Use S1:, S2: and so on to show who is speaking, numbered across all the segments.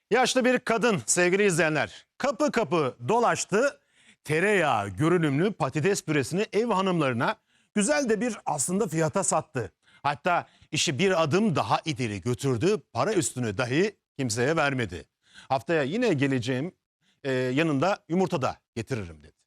S1: Yaşlı bir kadın sevgili izleyenler kapı kapı dolaştı. Tereyağı görünümlü patates püresini ev hanımlarına güzel de bir aslında fiyata sattı. Hatta işi bir adım daha ileri götürdü. Para üstünü dahi kimseye vermedi. Haftaya yine geleceğim, yanında yumurta da getiririm dedi.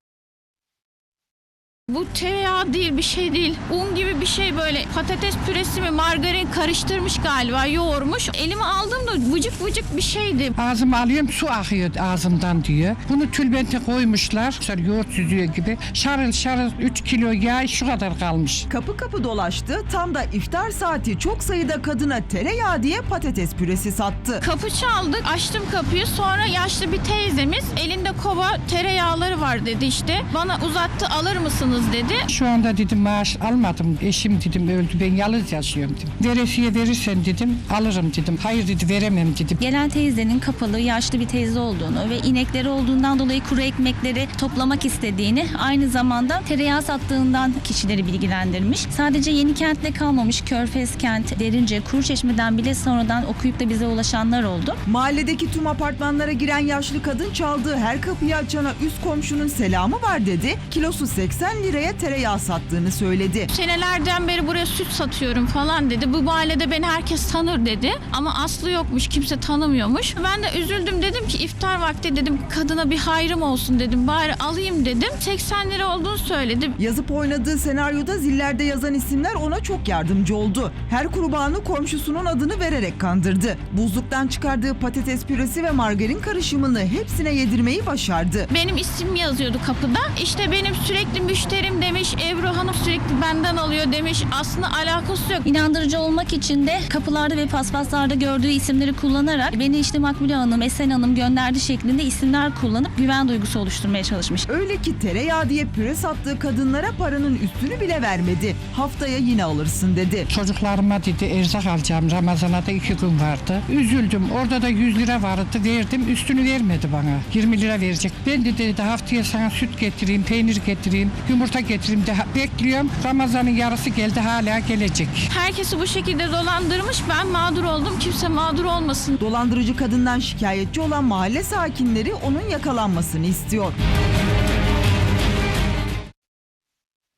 S2: Bu tereyağı değil, bir şey değil. Un gibi bir şey böyle. Patates püresi mi, margarin karıştırmış galiba, yoğurmuş. Elime aldığımda vıcık vıcık bir şeydi.
S3: Ağzıma alıyorum, su akıyor ağzımdan diyor. Bunu tülbente koymuşlar. Yoğurt süzüyor gibi. Şarıl şarıl 3 kilo yağ şu kadar kalmış.
S4: Kapı kapı dolaştı. Tam da iftar saati çok sayıda kadına tereyağı diye patates püresi sattı.
S2: Kapı çaldık, açtım kapıyı. Sonra yaşlı bir teyzemiz elinde kova tereyağları var dedi işte. Bana uzattı, alır mısınız dedi.
S3: Şu anda dedim maaş almadım. Eşim dedim öldü, ben yalnız yaşıyorum dedim. Veresiye verirsen dedim alırım dedim. Hayır dedi, veremem dedim.
S5: Gelen teyzenin kapalı, yaşlı bir teyze olduğunu ve inekleri olduğundan dolayı kuru ekmekleri toplamak istediğini, aynı zamanda tereyağı sattığından kişileri bilgilendirmiş. Sadece Yenikent'te kalmamış, Körfezkent, Derince, Kuruçeşme'den bile sonradan okuyup da bize ulaşanlar oldu.
S4: Mahalledeki tüm apartmanlara giren yaşlı kadın çaldığı her kapıyı açana üst komşunun selamı var dedi. Kilosu 80 liraya tereyağı sattığını söyledi.
S2: Senelerden beri buraya süt satıyorum falan dedi. Bu mahallede beni herkes tanır dedi. Ama aslı yokmuş, kimse tanımıyormuş. Ben de üzüldüm, dedim ki iftar vakti dedim kadına bir hayrım olsun dedim. Bari alayım dedim. 80 lira olduğunu söyledi.
S4: Yazıp oynadığı senaryoda zillerde yazan isimler ona çok yardımcı oldu. Her kurbanı komşusunun adını vererek kandırdı. Buzluktan çıkardığı patates püresi ve margarin karışımını hepsine yedirmeyi başardı.
S2: Benim isim yazıyordu kapıda. İşte benim sürekli müşterim demiş. Ebru Hanım sürekli benden alıyor demiş. Aslında alakası yok.
S5: İnandırıcı olmak için de kapılarda ve paspaslarda gördüğü isimleri kullanarak beni işte Makbule Hanım, Esen Hanım gönderdi şeklinde isimler kullanıp güven duygusu oluşturmaya çalışmış.
S4: Öyle ki tereyağı diye püre sattığı kadınlara paranın üstünü bile vermedi. Haftaya yine alırsın dedi.
S3: Çocuklarıma dedi erzak alacağım, Ramazan'a da 2 gün vardı. Üzüldüm, orada da 100 lira vardı, verdim, üstünü vermedi bana. 20 lira verecek. Ben de dedi haftaya sana süt getireyim, peynir getireyim, yumurta getireyim de bekliyorum. Ramazan'ın yarısı geldi, hala gelecek.
S2: Herkesi bu şekilde dolandırmış. Ben mağdur oldum. Kimse mağdur olmasın.
S4: Dolandırıcı kadından şikayetçi olan mahalle sakinleri onun yakalanmasını istiyor.